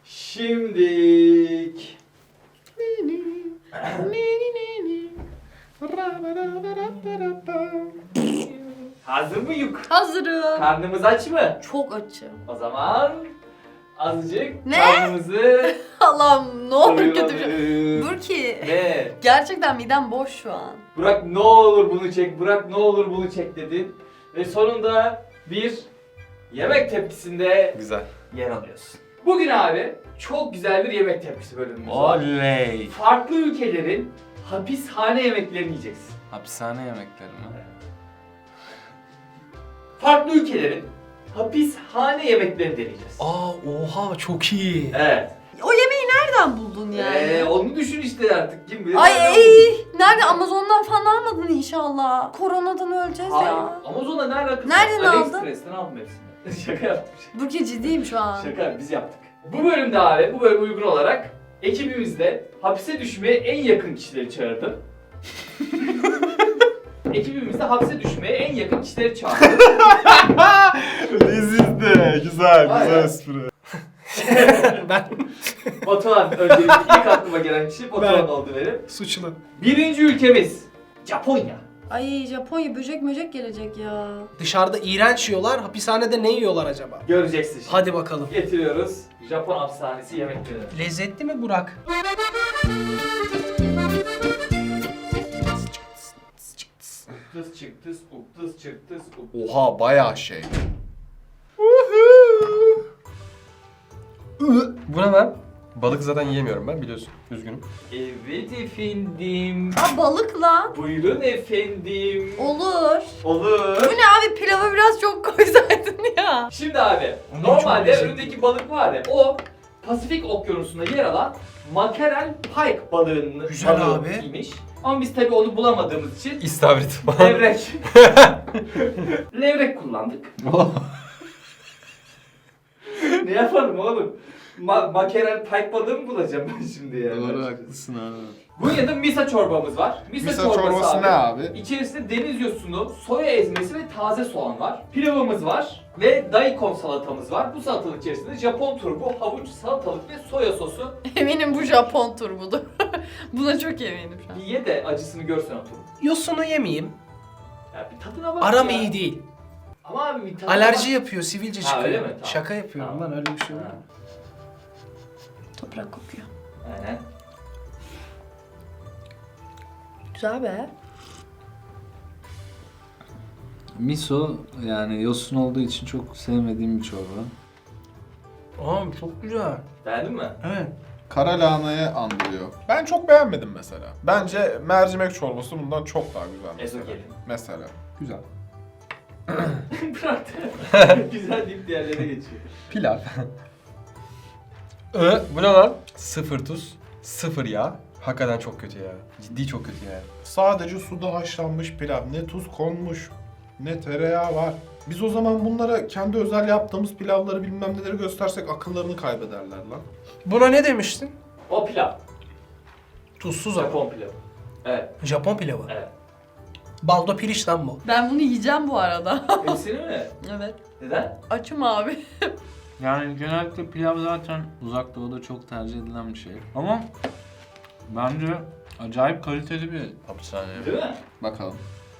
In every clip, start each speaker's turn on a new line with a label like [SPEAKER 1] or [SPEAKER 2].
[SPEAKER 1] Şimdik. Hazır mıyız?
[SPEAKER 2] Hazırım.
[SPEAKER 1] Karnımız aç mı?
[SPEAKER 2] Çok açım.
[SPEAKER 1] O zaman azıcık
[SPEAKER 2] Ne?
[SPEAKER 1] karnımızı
[SPEAKER 2] Allah'ım ne olur kötü bir şey.
[SPEAKER 1] doyuralım.
[SPEAKER 2] Dur ki.
[SPEAKER 1] Ne?
[SPEAKER 2] Gerçekten midem boş şu an.
[SPEAKER 1] Burak ne olur bunu çek, Burak ne olur bunu çek dedin. Ve sonunda bir yemek tepkisinde
[SPEAKER 3] Güzel.
[SPEAKER 1] yer alıyorsun. Bugün abi çok güzel bir yemek tepkisi bölümümüz var.
[SPEAKER 3] Oley.
[SPEAKER 1] Farklı ülkelerin hapishane yemeklerini yiyeceksin.
[SPEAKER 3] Hapishane yemekleri mi?
[SPEAKER 1] Farklı ülkelerin hapishane yemeklerini deneyeceğiz.
[SPEAKER 4] Oha çok iyi.
[SPEAKER 1] Evet.
[SPEAKER 2] O yemeği nereden buldun yani?
[SPEAKER 1] Onu düşün işte artık kim bilir.
[SPEAKER 2] Ay
[SPEAKER 1] nereden
[SPEAKER 2] ey, nerede? Amazon'dan falan almadın inşallah. Koronadan öleceğiz
[SPEAKER 1] Hayır.
[SPEAKER 2] ya.
[SPEAKER 1] Amazon'la ne alakası
[SPEAKER 2] Nereden
[SPEAKER 1] var?
[SPEAKER 2] aldın?
[SPEAKER 1] AliExpress'ten aldım hepsini. Şaka yaptım.
[SPEAKER 2] Burki ciddiyim şu an.
[SPEAKER 1] Şaka biz yaptık. Bu bölümde abi, bu bölüme uygun olarak ekibimizde hapse düşmeye en yakın kişileri çağırdım. Ekibimizde hapse düşmeye en yakın kişileri çağırdım.
[SPEAKER 3] Lezizdi. Güzel,
[SPEAKER 1] Aynen.
[SPEAKER 3] espri.
[SPEAKER 4] Ben
[SPEAKER 1] Batuhan öncelikle ilk aklıma gelen kişi Batuhan
[SPEAKER 4] Ben.
[SPEAKER 1] oldu benim.
[SPEAKER 4] suçlu.
[SPEAKER 1] Birinci ülkemiz Japonya.
[SPEAKER 2] Ay Japonya böcek gelecek ya.
[SPEAKER 4] Dışarıda iğrenç yiyorlar, hapishanede ne yiyorlar acaba?
[SPEAKER 1] Göreceksin şimdi.
[SPEAKER 4] Hadi bakalım.
[SPEAKER 1] Getiriyoruz Japon hapishanesi yemekleri.
[SPEAKER 4] Lezzetli mi Burak?
[SPEAKER 1] Uktıs çıktıs, uktıs çıktıs, uktıs.
[SPEAKER 3] Oha bayağı şey.
[SPEAKER 5] Bu ne lan? Balık zaten yiyemiyorum ben biliyorsun. Üzgünüm.
[SPEAKER 1] Evet efendim.
[SPEAKER 2] Aa balık lan.
[SPEAKER 1] Buyurun efendim.
[SPEAKER 2] Olur.
[SPEAKER 1] Olur.
[SPEAKER 2] Bu ne abi, pilava biraz çok koysaydın ya.
[SPEAKER 1] Şimdi abi,
[SPEAKER 4] Onun
[SPEAKER 1] normalde
[SPEAKER 4] çok lezzetli.
[SPEAKER 1] önündeki balık var ya, o Pasifik Okyanusu'nda yer alan makarel pike balığının
[SPEAKER 4] Güzel abi.
[SPEAKER 1] balığıymış. Ama biz tabii onu bulamadığımız için
[SPEAKER 5] İstavrit.
[SPEAKER 1] levrek. Levrek kullandık. Ne yaparım oğlum? Makarel pike balığı mı bulacağım ben şimdi yani?
[SPEAKER 3] Doğru haklısın abi.
[SPEAKER 1] Bunun yanında misa çorbamız var.
[SPEAKER 3] Misa çorbası ne abi?
[SPEAKER 1] İçerisinde deniz yosunu, soya ezmesi ve taze soğan var. Pilavımız var ve daikon salatamız var. Bu salatalık içerisinde Japon turbu, havuç, salatalık ve soya sosu.
[SPEAKER 2] Eminim bu Japon turbudur. Buna çok eminim şu an.
[SPEAKER 1] Bir ye de acısını görsen o turbu.
[SPEAKER 4] Yosunu yemeyeyim.
[SPEAKER 1] Ya bir tadına bak
[SPEAKER 4] Aram
[SPEAKER 1] ya.
[SPEAKER 4] iyi değil.
[SPEAKER 1] Ama abi bir tadına
[SPEAKER 4] Alerji
[SPEAKER 1] bak.
[SPEAKER 4] yapıyor, sivilce
[SPEAKER 1] Ha,
[SPEAKER 4] çıkıyor.
[SPEAKER 1] öyle mi? Tamam.
[SPEAKER 4] Şaka yapıyorum
[SPEAKER 1] Tamam.
[SPEAKER 4] lan, öyle bir şey yok.
[SPEAKER 1] Ha,
[SPEAKER 2] Toprak kokuyor.
[SPEAKER 1] aynen.
[SPEAKER 2] Güzel be.
[SPEAKER 6] Miso yani yosun olduğu için çok sevmediğim bir çorba.
[SPEAKER 4] Aa çok güzel.
[SPEAKER 1] Beğendin mi?
[SPEAKER 4] Evet.
[SPEAKER 3] Kara lahanayı andırıyor. Ben çok beğenmedim mesela. Bence mercimek çorbası bundan çok daha güzel mesela.
[SPEAKER 1] Ezogelin.
[SPEAKER 3] Mesela. Güzel.
[SPEAKER 1] Bırak güzel deyip diğerlerine geçiyor.
[SPEAKER 5] Pilav. Bu ne lan? Sıfır tuz, sıfır yağ. Hakikaten çok kötü ya. Ciddi çok kötü ya.
[SPEAKER 3] Sadece suda haşlanmış pilav. Ne tuz konmuş, ne tereyağı var. Biz o zaman bunlara kendi özel yaptığımız pilavları bilmem neleri göstersek akıllarını kaybederler lan.
[SPEAKER 4] Buna ne demiştin?
[SPEAKER 1] O pilav.
[SPEAKER 4] Tuzsuz ama.
[SPEAKER 1] Japon pilavı. Evet,
[SPEAKER 4] Japon pilavı.
[SPEAKER 1] evet.
[SPEAKER 4] Baldo piliç lan bu.
[SPEAKER 2] Ben bunu yiyeceğim bu arada.
[SPEAKER 1] Hepsini mi?
[SPEAKER 2] Evet.
[SPEAKER 1] Neden?
[SPEAKER 2] Açım abi.
[SPEAKER 6] Yani genellikle pilav zaten uzak doğuda çok tercih edilen bir şey. Ama bence acayip kaliteli bir hapishane.
[SPEAKER 1] Değil mi?
[SPEAKER 3] Bakalım.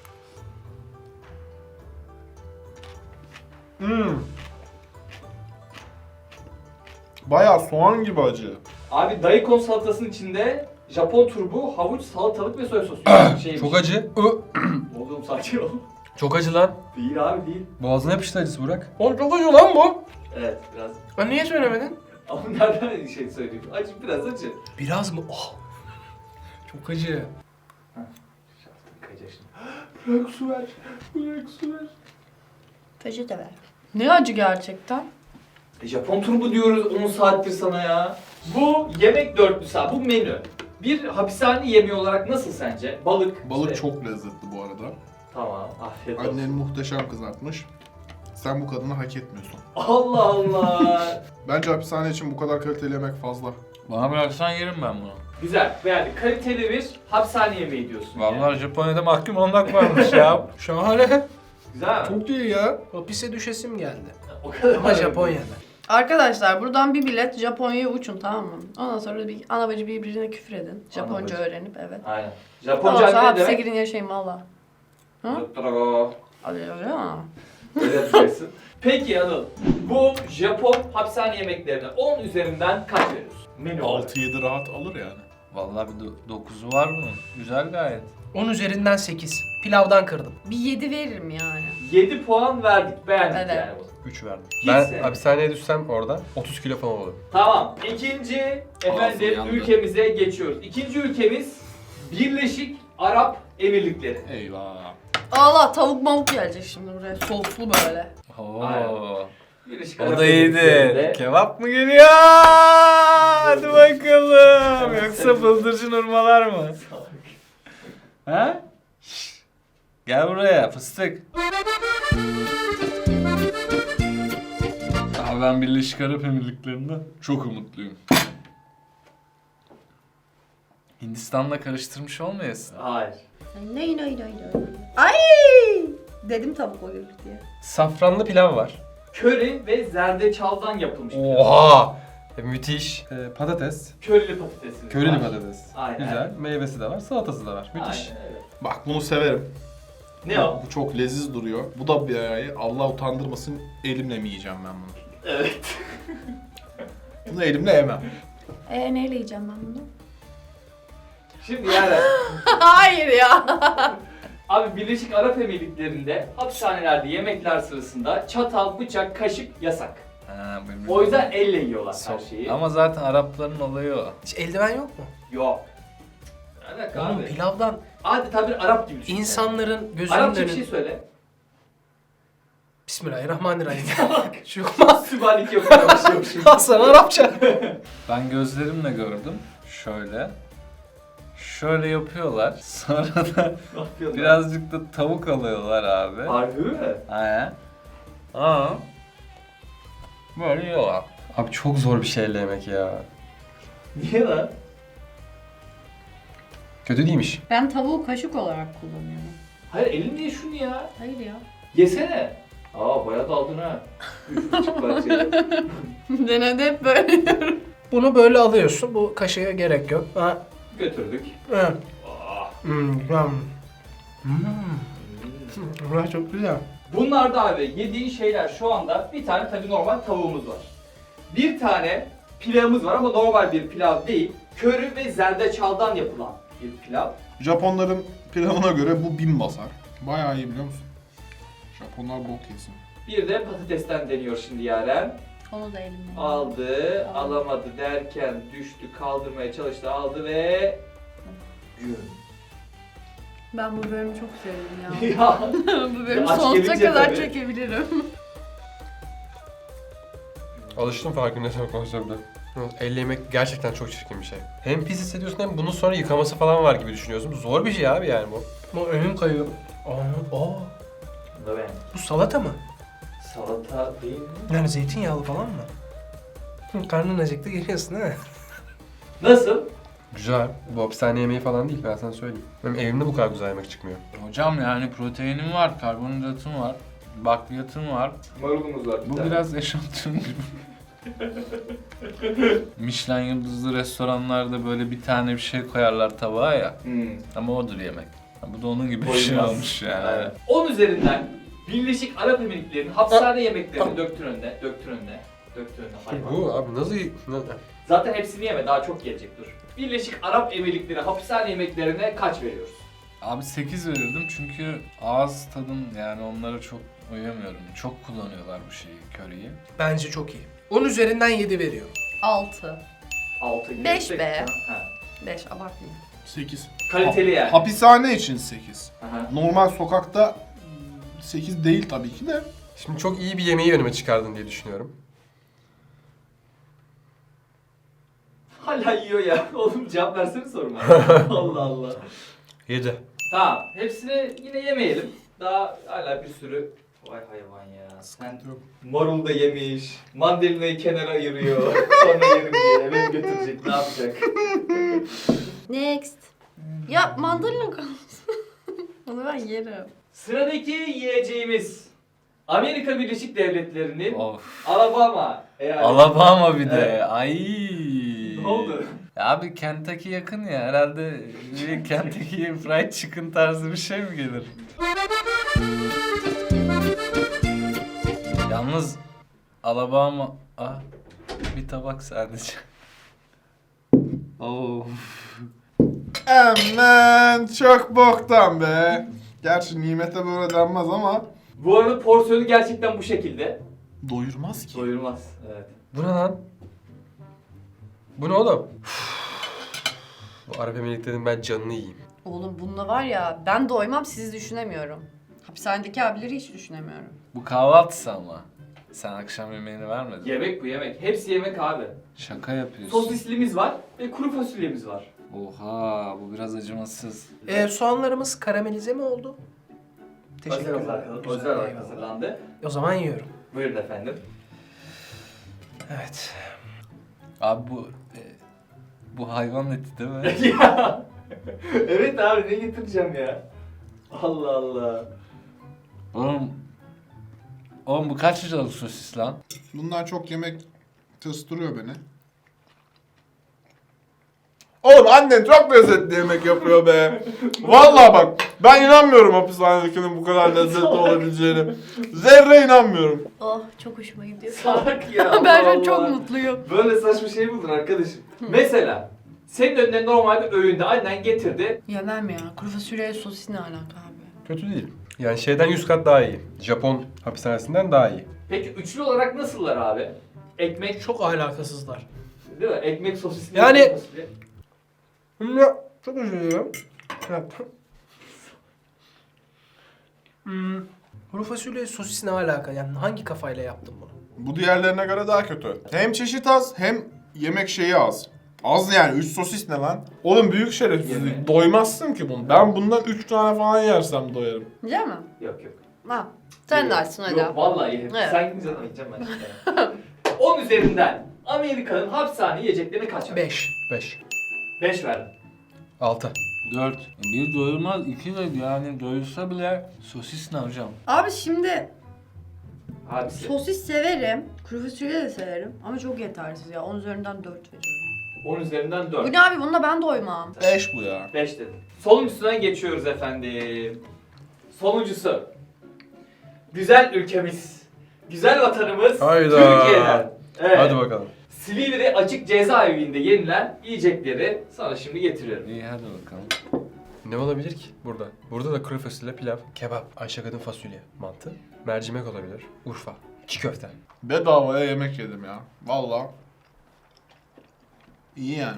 [SPEAKER 3] Bayağı soğan gibi acı.
[SPEAKER 1] Abi daikon salatasının içinde Japon turbu, havuç, salatalık ve soya sosu. Şeymiş.
[SPEAKER 5] Çok acı.
[SPEAKER 1] Oğlum sakin ol.
[SPEAKER 5] Çok acı lan.
[SPEAKER 1] Değil abi değil.
[SPEAKER 5] Boğazına yapıştı acısı Burak.
[SPEAKER 4] Oğlum çok acı lan bu.
[SPEAKER 1] Evet biraz.
[SPEAKER 4] Ben niye söylemedin?
[SPEAKER 1] Ama nereden şey söyleyeyim? Acı biraz acı.
[SPEAKER 4] Biraz mı? Oh. Çok acı.
[SPEAKER 1] Kayacak şimdi. Bırak su ver. Bırak su ver.
[SPEAKER 2] Peçete ver. Ne acı gerçekten?
[SPEAKER 1] Japon turbu diyoruz 10 saattir sana ya. Bu yemek dörtlüsü abi. Bu menü. Bir hapishane yemeği olarak nasıl sence? Balık.
[SPEAKER 3] Balık
[SPEAKER 1] işte.
[SPEAKER 3] çok lezzetli bu arada.
[SPEAKER 1] Tamam. Afiyet olsun.
[SPEAKER 3] Annen muhteşem kızartmış. Sen bu kadını hak etmiyorsun.
[SPEAKER 1] Allah Allah.
[SPEAKER 3] Bence hapishane için bu kadar kaliteli yemek fazla.
[SPEAKER 6] Bana bıraksan yerim ben bunu.
[SPEAKER 1] Güzel. Yani kaliteli bir hapishane yemeği diyorsun. yani.
[SPEAKER 6] Vallahi Japonya'da mahkum olmak varmış ya.
[SPEAKER 4] Şahane.
[SPEAKER 1] Güzel mi?
[SPEAKER 4] Çok iyi ya. Hapise düşesim geldi.
[SPEAKER 1] O kadar.
[SPEAKER 4] Ama Japonya'da.
[SPEAKER 2] Arkadaşlar buradan bir bilet Japonya'ya uçun, tamam mı? Ondan sonra bir ana bacı birbirine küfür edin. Japonca
[SPEAKER 1] bacı.
[SPEAKER 2] öğrenip evet.
[SPEAKER 1] Aynen.
[SPEAKER 2] Ondan
[SPEAKER 1] Japonca
[SPEAKER 2] sonra
[SPEAKER 1] ne
[SPEAKER 2] hapse
[SPEAKER 1] demek?
[SPEAKER 2] girin yaşayın valla. Hı?
[SPEAKER 1] Dottoro.
[SPEAKER 2] Hadi öyle mi?
[SPEAKER 1] Öyle yapacaksın. Peki Anıl, bu Japon hapishane yemeklerine 10 üzerinden kaç veriyorsun? Menü olarak.
[SPEAKER 3] 6-7 rahat alır yani.
[SPEAKER 6] Vallahi bir 9'u var mı? Güzel gayet.
[SPEAKER 4] 10 üzerinden 8. Pilavdan kırdım.
[SPEAKER 2] Bir 7 veririm yani.
[SPEAKER 1] 7 puan verdik, beğendik
[SPEAKER 2] Evet.
[SPEAKER 1] yani bunu.
[SPEAKER 5] 3 verdim.
[SPEAKER 1] Hiç
[SPEAKER 5] Ben
[SPEAKER 1] sevmedim.
[SPEAKER 5] hapishaneye düşsem orada 30 kilo falan olurum.
[SPEAKER 1] Tamam, ikinci efendim
[SPEAKER 3] yandı.
[SPEAKER 1] ülkemize geçiyoruz. İkinci ülkemiz Birleşik Arap Emirlikleri.
[SPEAKER 3] Eyvah.
[SPEAKER 2] Allah, tavuk mavuk gelecek şimdi buraya. Soslu böyle.
[SPEAKER 1] Aynen.
[SPEAKER 6] Oo.
[SPEAKER 1] Birleşik
[SPEAKER 6] O
[SPEAKER 1] Arap
[SPEAKER 6] da
[SPEAKER 1] Emirlikleri'nde-
[SPEAKER 6] iyidir. Kebap mı geliyor? Hadi bakalım. Yoksa bıldırcın urmalar mı? Ha? Şşş. Gel buraya fıstık. Abi ben Birleşik Arap Emirlikleri'nden çok umutluyum. Hindistan'la karıştırmış olmayasın.
[SPEAKER 1] Hayır.
[SPEAKER 2] Ney. Ay! Dedim tavuk olur diye.
[SPEAKER 5] Safranlı pilav var.
[SPEAKER 1] Köri ve zerdeçaldan yapılmış.
[SPEAKER 5] Oha! Müthiş. Patates.
[SPEAKER 1] Körili patatesimiz
[SPEAKER 5] Körili
[SPEAKER 1] var.
[SPEAKER 5] patates.
[SPEAKER 1] Aynen.
[SPEAKER 5] Güzel. Meyvesi de var. Salatası da var. Müthiş.
[SPEAKER 1] Aynen öyle.
[SPEAKER 3] Bak bunu severim.
[SPEAKER 1] Ne o?
[SPEAKER 3] Bu çok leziz duruyor. Bu da bir ayı. Allah utandırmasın, elimle mi yiyeceğim ben bunu?
[SPEAKER 1] Evet.
[SPEAKER 3] Bunu elimle yemem.
[SPEAKER 2] Neyle yiyeceğim ben bunu?
[SPEAKER 1] Şimdi yani
[SPEAKER 2] Hayır ya.
[SPEAKER 1] abi Birleşik Arap Emirlikleri'nde hapishanelerde yemekler sırasında çatal, bıçak, kaşık yasak.
[SPEAKER 6] Ha,
[SPEAKER 1] O yüzden elle yiyorlar her şeyi.
[SPEAKER 6] Ama zaten Arapların olayı o.
[SPEAKER 4] Hiç eldiven yok mu?
[SPEAKER 1] Yok. Ne alaka
[SPEAKER 4] Oğlum
[SPEAKER 1] abi?
[SPEAKER 4] pilavdan
[SPEAKER 1] Adeta bir Arap gibi düşün.
[SPEAKER 4] insanların gözünün
[SPEAKER 1] Arapça bir
[SPEAKER 4] önünde...
[SPEAKER 1] şey söyle.
[SPEAKER 4] Bismillahirrahmanirrahim. Şu yok.
[SPEAKER 1] Sübhanik yapıyormuş.
[SPEAKER 4] Hasan Arapça.
[SPEAKER 6] Ben gözlerimle gördüm. Şöyle. Şöyle yapıyorlar. Sonra da
[SPEAKER 1] Ne yapıyorlar?
[SPEAKER 6] birazcık da tavuk alıyorlar abi.
[SPEAKER 1] Harbi mi?
[SPEAKER 6] He. Aa. Böyle yiyorlar.
[SPEAKER 5] Abi çok zor bir şeyle yemek ya.
[SPEAKER 1] Niye lan?
[SPEAKER 5] Kötü değilmiş.
[SPEAKER 2] Ben tavuğu kaşık olarak kullanıyorum.
[SPEAKER 1] Hayır elinle ye şunu ya.
[SPEAKER 2] Hayır ya.
[SPEAKER 1] Yesene. Aa bayağı daldın ha. 3,5 parçayı.
[SPEAKER 2] Genelde hep böyle yiyorum.
[SPEAKER 4] Bunu böyle alıyorsun. Bu kaşığa gerek yok. Ha.
[SPEAKER 1] Götürdük.
[SPEAKER 4] Evet.
[SPEAKER 1] Aa.
[SPEAKER 4] Güzel. Burası çok güzel.
[SPEAKER 1] Bunlarda abi yediğin şeyler şu anda bir tane tabii normal tavuğumuz var. Bir tane pilavımız var ama normal bir pilav değil. Köri ve zerdeçaldan yapılan bir pilav.
[SPEAKER 3] Japonların planına göre bu 1000 basar. Bayağı iyi biliyor musun? Japonlar bok yesin.
[SPEAKER 1] Bir de patatesten deniyor şimdi Yaren.
[SPEAKER 2] Onu da elimle.
[SPEAKER 1] Aldı, alamadı derken düştü, kaldırmaya çalıştı, aldı ve... Gün.
[SPEAKER 2] Ben bu bölümü çok sevdim ya.
[SPEAKER 1] Ya
[SPEAKER 2] Bu bölümü
[SPEAKER 1] Aç
[SPEAKER 2] sonsuza
[SPEAKER 1] gelince
[SPEAKER 2] kadar
[SPEAKER 1] tabii.
[SPEAKER 2] çekebilirim.
[SPEAKER 5] Alıştım farkındaysan konsepte. Elle yemek gerçekten çok çirkin bir şey. Hem pis hissediyorsun hem bunun sonra yıkaması falan var gibi düşünüyorsun. Zor bir şey abi yani bu.
[SPEAKER 4] Bu önüm kayıyor. Aa,
[SPEAKER 1] bunu da beğendim.
[SPEAKER 4] bu salata mı?
[SPEAKER 1] Salata değil mi?
[SPEAKER 4] Yani zeytinyağlı falan mı? Karnın acıktı geliyorsun değil mi?
[SPEAKER 1] Nasıl?
[SPEAKER 5] Güzel. Bu hapishane yemeği falan değil, ben sana söyleyeyim. Benim evimde bu kadar güzel yemek çıkmıyor.
[SPEAKER 6] Hocam yani proteinim var, karbonhidratım var, bakliyatım var.
[SPEAKER 1] Marulumuz var bir
[SPEAKER 6] Bu
[SPEAKER 1] tane.
[SPEAKER 6] biraz eşantiyon gibi. Michelin yıldızlı restoranlarda böyle bir tane bir şey koyarlar tabağa ya.
[SPEAKER 1] Hmm.
[SPEAKER 6] Ama odur yemek. Ha, bu da onun gibi bir şey
[SPEAKER 1] Doymaz.
[SPEAKER 6] olmuş yani.
[SPEAKER 1] Evet. 10 üzerinden Birleşik Arap Emirlikleri'nin hapishane yemeklerini döktün önüne. Döktün önüne. Döktün önüne hayvan.
[SPEAKER 5] Bu abi nasıl...
[SPEAKER 1] Zaten hepsini yeme, daha çok gelecek dur. Birleşik Arap Emirlikleri hapishane yemeklerine kaç veriyoruz?
[SPEAKER 6] Abi 8 verirdim çünkü ağız tadım yani onlara çok uyamıyorum. Çok kullanıyorlar bu şeyi, köriyi.
[SPEAKER 4] Bence çok iyi. 10 üzerinden 7 veriyorum.
[SPEAKER 2] 6.
[SPEAKER 1] 6 gibi.
[SPEAKER 2] 5 be.
[SPEAKER 1] Ha.
[SPEAKER 2] 5 abartmayayım.
[SPEAKER 3] 8.
[SPEAKER 1] Kaliteli yani.
[SPEAKER 3] Hapishane için 8.
[SPEAKER 1] Aha.
[SPEAKER 3] Normal sokakta 8 değil tabii ki de.
[SPEAKER 5] Şimdi çok iyi bir yemeği önüme çıkardın diye düşünüyorum.
[SPEAKER 1] Hala yiyor ya. Oğlum cevap versene soruma. Allah Allah.
[SPEAKER 5] 7.
[SPEAKER 1] Tamam. Hepsini yine yemeyelim. Daha hala bir sürü... Vay hayvan ya. Sen
[SPEAKER 3] Yok.
[SPEAKER 1] marul da yemiş. Mandalinayı kenara ayırıyor. Sonra yerim diye eve mi götürecek? Ne yapacak?
[SPEAKER 2] Next. Ya mandalina kalmış. Onu ben yerim.
[SPEAKER 1] Sıradaki yiyeceğimiz Amerika Birleşik Devletleri'nin
[SPEAKER 6] Of.
[SPEAKER 1] Alabama eyaleti.
[SPEAKER 6] Alabama bir de.
[SPEAKER 1] Evet.
[SPEAKER 6] Ay.
[SPEAKER 1] Ne oldu?
[SPEAKER 6] Ya abi Kentucky yakın ya. Herhalde bir Kentucky Fried Chicken tarzı bir şey mi gelir? Yalnız Alabama... Ah, bir tabak sadece. Oo.
[SPEAKER 3] Aman çok boktan be. Gerçi nimete böyle denmez ama
[SPEAKER 1] Bu arada porsiyonu gerçekten bu şekilde.
[SPEAKER 3] doyurmaz ki.
[SPEAKER 1] Doyurmaz. Evet.
[SPEAKER 5] Bu ne lan? Bu ne oğlum? Bu Arap Emirlikleri'nin ben canını yiyeyim.
[SPEAKER 2] Oğlum bununla var ya ben doymam sizi düşünemiyorum. Hapishanedeki abileri hiç düşünemiyorum.
[SPEAKER 6] Bu kahvaltısı ama. Sen akşam yemeğini vermedin.
[SPEAKER 1] Yemek bu yemek. Hepsi yemek abi.
[SPEAKER 6] Şaka yapıyorsun.
[SPEAKER 1] Sosislimiz var ve kuru fasulyemiz var.
[SPEAKER 6] Oha, bu biraz acımasız.
[SPEAKER 4] Soğanlarımız karamelize mi oldu?
[SPEAKER 1] Özel
[SPEAKER 4] Teşekkürler.
[SPEAKER 1] olarak,
[SPEAKER 4] Güzel,
[SPEAKER 1] özel olarak
[SPEAKER 4] eyvallah.
[SPEAKER 1] hazırlandı.
[SPEAKER 4] O zaman yiyorum.
[SPEAKER 1] Buyurun efendim.
[SPEAKER 4] Evet.
[SPEAKER 6] Abi bu hayvan eti değil mi?
[SPEAKER 1] Ya. Evet abi ne getireceğim ya? Allah Allah.
[SPEAKER 6] Oğlum bu kaç liralık sosis lan?
[SPEAKER 3] Bundan çok yemek tıstırıyor beni. Oğlum annen çok lezzetli yemek yapıyor be. Vallahi bak ben inanmıyorum hapishanedekinin bu kadar lezzetli olabileceğine. Zerre inanmıyorum.
[SPEAKER 2] Oh çok hoşuma gidiyor.
[SPEAKER 1] Salak ya.
[SPEAKER 2] Ben şu
[SPEAKER 1] Allah
[SPEAKER 2] an çok
[SPEAKER 1] Allah.
[SPEAKER 2] mutluyum.
[SPEAKER 1] Böyle saçma şey mi olur arkadaşım? Mesela senin önüne normal bir öğünde annen getirdi.
[SPEAKER 2] Yemem ya. Kuru fasulye sosis ne alaka abi?
[SPEAKER 5] Kötü değil. Yani şeyden 100 kat daha iyi. Japon hapishanesinden daha iyi.
[SPEAKER 1] Peki üçlü olarak nasıllar abi? Ekmek,
[SPEAKER 4] Çok alakasızlar.
[SPEAKER 1] değil mi? Ekmek sosisli.
[SPEAKER 4] Yani-
[SPEAKER 1] kuru fasulye.
[SPEAKER 4] Çok özür dilerim. Kuru fasulye sosis ne alaka? Yani hangi kafayla yaptın bunu?
[SPEAKER 3] Bu diğerlerine göre daha kötü. Hem çeşit az hem yemek şeyi az. Az yani 3 sosis ne lan? Oğlum büyük şerefsizlik.
[SPEAKER 1] Yeme.
[SPEAKER 3] Doymazsın ki bunu. Ben bundan 3 tane falan yersem doyarım.
[SPEAKER 2] Yiyecek mi?
[SPEAKER 1] Yok yok.
[SPEAKER 2] Ha. Sen de açsın hadi.
[SPEAKER 1] Yok vallahi yerim.
[SPEAKER 2] Evet.
[SPEAKER 1] Sen gidince yiyeceğim ben şimdi. 10 üzerinden Amerika'nın hapishane yiyeceklerine kaç ver?
[SPEAKER 4] 5.
[SPEAKER 5] 5.
[SPEAKER 1] 5 verdim.
[SPEAKER 5] 6.
[SPEAKER 6] 4. Bir doyurmaz, iki de yani doyursa bile sosis ne hocam?
[SPEAKER 2] Abi şimdi
[SPEAKER 1] Abisi.
[SPEAKER 2] sosis severim. Kuru fasulye de severim. Ama çok yetersiz ya. 10 üzerinden 4 veriyorum.
[SPEAKER 1] 10 üzerinden
[SPEAKER 2] Bu
[SPEAKER 1] 4.
[SPEAKER 2] ne abi? Bununla ben doymam.
[SPEAKER 3] 5 bu ya.
[SPEAKER 1] 5 dedim. Sonuncusuna geçiyoruz efendim. Sonuncusu. Güzel ülkemiz. Güzel vatanımız.
[SPEAKER 5] Hayda.
[SPEAKER 1] Türkiye'den. Evet.
[SPEAKER 5] Hadi bakalım.
[SPEAKER 1] Silivri Açık Cezaevi'nde yenilen yiyecekleri sana şimdi getiriyorum.
[SPEAKER 6] İyi hadi bakalım.
[SPEAKER 5] Ne olabilir ki burada? Burada da kuru fasulye, pilav, kebap, Ayşe kadın fasulye, mantı, mercimek olabilir, Urfa, çiğ köfte.
[SPEAKER 3] Bedavaya yemek yedim ya. Vallahi. İyi yani.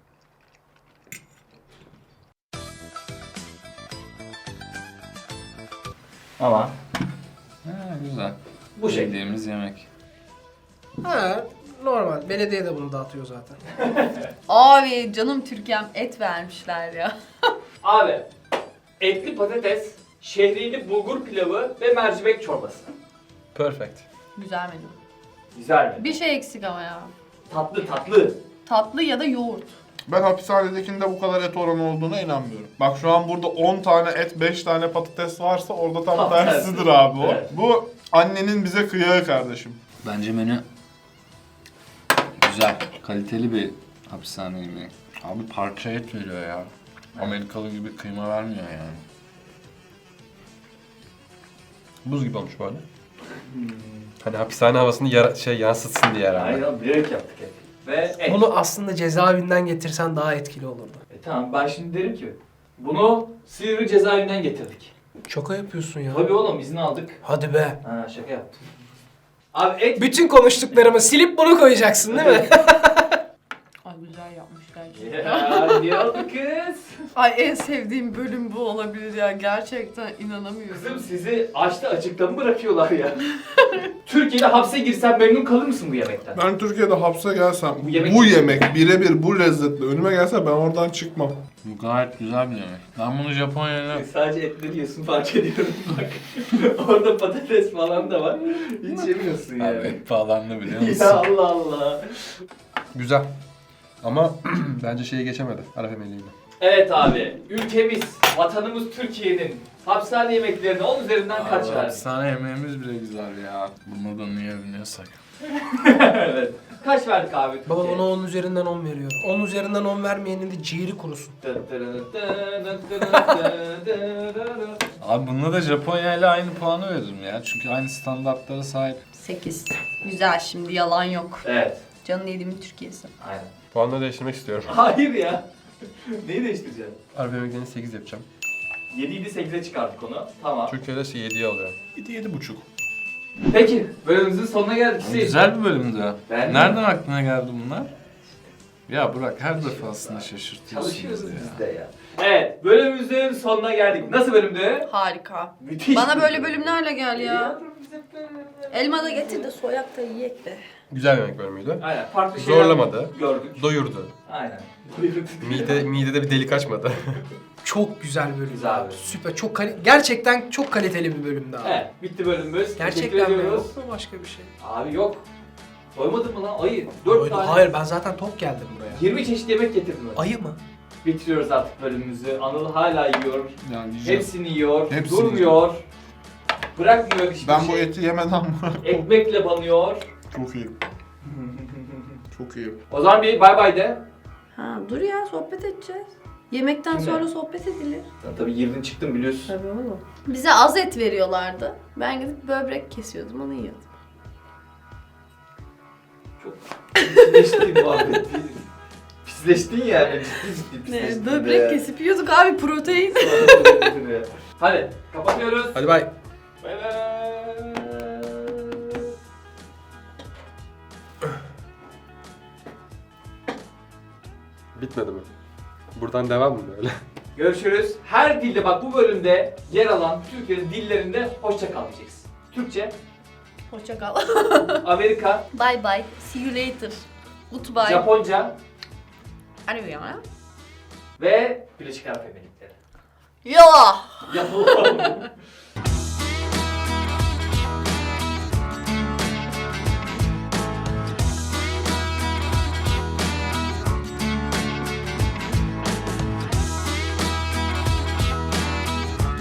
[SPEAKER 1] Ama
[SPEAKER 6] Ha, güzel.
[SPEAKER 1] bu şekilde.
[SPEAKER 6] Yediğimiz yemek.
[SPEAKER 4] Ha, normal. Belediye de bunu dağıtıyor zaten.
[SPEAKER 2] Abi canım Türkiye'm et vermişler ya.
[SPEAKER 1] Abi etli patates, şehriyeli bulgur pilavı ve mercimek çorbası.
[SPEAKER 5] Perfect.
[SPEAKER 2] Güzel menü.
[SPEAKER 1] Güzel mi?
[SPEAKER 2] Bir şey eksik ama ya.
[SPEAKER 1] Tatlı tatlı.
[SPEAKER 2] Tatlı ya da yoğurt.
[SPEAKER 3] Ben hapishanedekinde bu kadar et oranı olduğuna inanmıyorum. Bak şu an burada 10 tane et, 5 tane patates varsa orada tam
[SPEAKER 1] Tam
[SPEAKER 3] tersidir abi o.
[SPEAKER 1] Evet.
[SPEAKER 3] Bu annenin bize kıyağı kardeşim.
[SPEAKER 6] Bence menü güzel, kaliteli bir hapishane yemeği. Abi parça et veriyor ya. Amerikalı gibi kıyma vermiyor yani.
[SPEAKER 5] Buz gibi olmuş bu arada. Hani hapishane havasını yansıtsın diye herhalde.
[SPEAKER 1] Aynen bilerek yaptık hep. Ve et.
[SPEAKER 4] Bunu aslında cezaevinden getirsen daha etkili olurdu.
[SPEAKER 1] Tamam ben şimdi derim ki bunu Silivri cezaevinden getirdik.
[SPEAKER 4] Şaka yapıyorsun ya.
[SPEAKER 1] Tabii oğlum izin aldık.
[SPEAKER 4] Hadi be.
[SPEAKER 1] Ha şaka yaptım. Abi et
[SPEAKER 4] Bütün konuştuklarımı silip bunu koyacaksın değil mi?
[SPEAKER 2] Ay güzel yapmışlar.
[SPEAKER 1] ya niye oldu kız?
[SPEAKER 2] Ay en sevdiğim bölüm bu olabilir ya. Gerçekten inanamıyorum.
[SPEAKER 1] Kızım sizi açta açıkta mı bırakıyorlar ya? Türkiye'de hapse girsen memnun kalır mısın bu yemekten?
[SPEAKER 3] Ben Türkiye'de hapse gelsem,
[SPEAKER 1] Bu yemek-
[SPEAKER 3] bu yemek birebir bu lezzetle önüme gelse ben oradan çıkmam.
[SPEAKER 6] Bu gayet güzel bir yemek. Ben bunu Japonya'yla...
[SPEAKER 1] Sadece etleri yiyorsun fark ediyorum bak. Orada patates falan da var. Hiç yemiyorsun
[SPEAKER 6] Abi
[SPEAKER 1] yani.
[SPEAKER 6] et pahalandı biliyor musun?
[SPEAKER 1] Ya Allah Allah.
[SPEAKER 5] Güzel. Ama bence şeyi geçemedi. Arap Emirliği'ni.
[SPEAKER 1] Evet abi, ülkemiz, vatanımız Türkiye'nin hapishane yemeklerine 10 üzerinden kaç
[SPEAKER 6] Abi,
[SPEAKER 1] verdi?
[SPEAKER 6] hapishane yemeğimiz bile güzel ya. Bunu da niye biniyorsak.
[SPEAKER 1] Evet. Kaç verdik abi?
[SPEAKER 4] Baba
[SPEAKER 1] Türkiye'ye?
[SPEAKER 4] ona 10 üzerinden 10 veriyorum. 10 üzerinden 10 vermeyenin de ciğeri kurusun.
[SPEAKER 6] Abi bunda da Japonya ile aynı puanı veririm ya. Çünkü aynı standartlara sahip.
[SPEAKER 2] 8. Güzel şimdi yalan yok.
[SPEAKER 1] Evet.
[SPEAKER 2] Canın yediğimin Türkiye'si.
[SPEAKER 1] Aynen.
[SPEAKER 5] Puanları değiştirmek istiyorum.
[SPEAKER 1] Hayır ya. Neyi değiştireceksin?
[SPEAKER 5] Araba yemeklerini 8 yapacağım.
[SPEAKER 1] 7 idi 8'e çıkardık onu. Tamam.
[SPEAKER 5] Türkiye'de 7'ye alıyor.
[SPEAKER 3] 7-7,5.
[SPEAKER 1] Peki, bölümümüzün sonuna geldik. Hüseyin.
[SPEAKER 6] Güzel bir bölümdü.
[SPEAKER 1] Ben de.
[SPEAKER 6] Nereden aklına geldi bunlar? Ya Burak her defasında şaşırtıyorsunuz
[SPEAKER 1] Çalışıyoruz
[SPEAKER 6] ya.
[SPEAKER 1] biz de ya. Evet, bölümümüzün sonuna geldik. Nasıl bölümdü?
[SPEAKER 2] Harika.
[SPEAKER 1] Müthiş.
[SPEAKER 2] Bana
[SPEAKER 1] bir
[SPEAKER 2] böyle
[SPEAKER 1] bölüm.
[SPEAKER 2] bölümlerle gel ya. Elma da getir de soyak da yiyek be.
[SPEAKER 5] Güzel bir yemek bölümüydü.
[SPEAKER 1] Aynen, farklı şeyler
[SPEAKER 5] Zorlamadı.
[SPEAKER 1] gördük.
[SPEAKER 5] Doyurdu.
[SPEAKER 1] Aynen.
[SPEAKER 5] Midede bir delik açmadı.
[SPEAKER 4] Çok güzel bölüm.
[SPEAKER 1] Güzel
[SPEAKER 4] abi.
[SPEAKER 1] bölüm.
[SPEAKER 4] Süper. Gerçekten çok kaliteli bir bölümdü abi.
[SPEAKER 1] Evet, bitti bölümümüz. Teşekkür
[SPEAKER 4] Gerçekten mi?
[SPEAKER 1] ediyoruz.
[SPEAKER 4] Yok mu başka bir şey?
[SPEAKER 1] Abi yok. Doymadın mı lan? Ayı. 4
[SPEAKER 4] Hayır,
[SPEAKER 1] tane.
[SPEAKER 4] hayır, ben zaten tok geldim buraya.
[SPEAKER 1] 20 çeşit yemek getirdim ben.
[SPEAKER 4] Ayı mı?
[SPEAKER 1] Bitiriyoruz artık bölümümüzü. Anıl hala yiyor.
[SPEAKER 6] Yani yiyeceğim.
[SPEAKER 1] Hepsini yiyor.
[SPEAKER 3] Hepsini
[SPEAKER 1] Durmuyor. Bırakmıyor hiçbir
[SPEAKER 3] Ben
[SPEAKER 1] şey.
[SPEAKER 3] bu eti yemeden
[SPEAKER 1] Ekmekle banıyor.
[SPEAKER 3] Çok iyi. Çok iyi.
[SPEAKER 1] O zaman bir bay bay de.
[SPEAKER 2] Ha dur ya sohbet edeceğiz. Yemekten
[SPEAKER 1] Kimle?
[SPEAKER 2] sonra sohbet edilir.
[SPEAKER 1] Sen tabii girdin çıktın biliyorsun.
[SPEAKER 2] Tabii oğlum. Bize az et veriyorlardı. Ben gidip böbrek kesiyordum, onu yiyordum.
[SPEAKER 1] Çok pisleştin muhabbet. Pisleştin yani. Ciddi pisleştin.
[SPEAKER 2] Böbrek kesip yiyorduk abi, protein.
[SPEAKER 1] Hadi kapatıyoruz.
[SPEAKER 5] Hadi bay.
[SPEAKER 1] Bay bay.
[SPEAKER 5] Bitmedi mi? Buradan devam mı böyle?
[SPEAKER 1] Görüşürüz. Her dilde bak bu bölümde yer alan Türkiye'nin dillerinde hoşça kal diyeceksin. Türkçe,
[SPEAKER 2] Hoşça kal.
[SPEAKER 1] Amerika,
[SPEAKER 2] Bye bye. See you later. Goodbye.
[SPEAKER 1] Japonca
[SPEAKER 2] Arıyorum.
[SPEAKER 1] ve Birleşik Arap Emirlikleri.
[SPEAKER 2] Ya.
[SPEAKER 1] Yapalım.